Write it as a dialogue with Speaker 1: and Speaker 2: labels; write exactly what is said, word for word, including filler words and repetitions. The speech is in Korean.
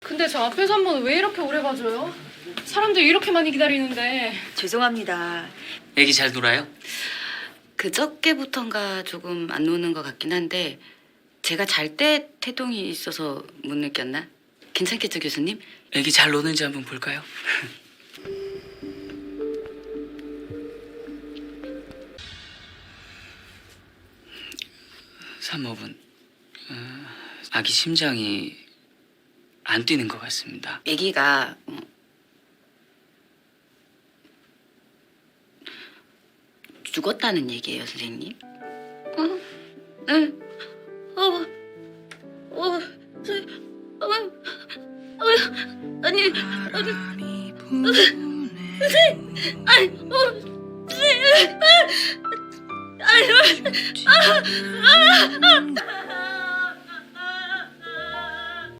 Speaker 1: 근데 저 앞에서 한 번 왜 이렇게 오래 봐줘요? 사람들 이렇게 많이 기다리는데.
Speaker 2: 죄송합니다.
Speaker 3: 애기 잘 놀아요?
Speaker 2: 그저께부턴가 조금 안 노는 것 같긴 한데 제가 잘 때 태동이 있어서 못 느꼈나? 괜찮겠죠, 교수님?
Speaker 3: 애기 잘 노는지 한번 볼까요? 산모분, 어, 아기 심장이 안 뛰는 것 같습니다.
Speaker 2: 아기가 어, 죽었다는 얘기예요, 선생님. 어, 네. 어, 어, 저, 어, 어, 아니, 아니, 선생님, 아니, 어, 선생님, 아니, 아니, 아, 아, 아.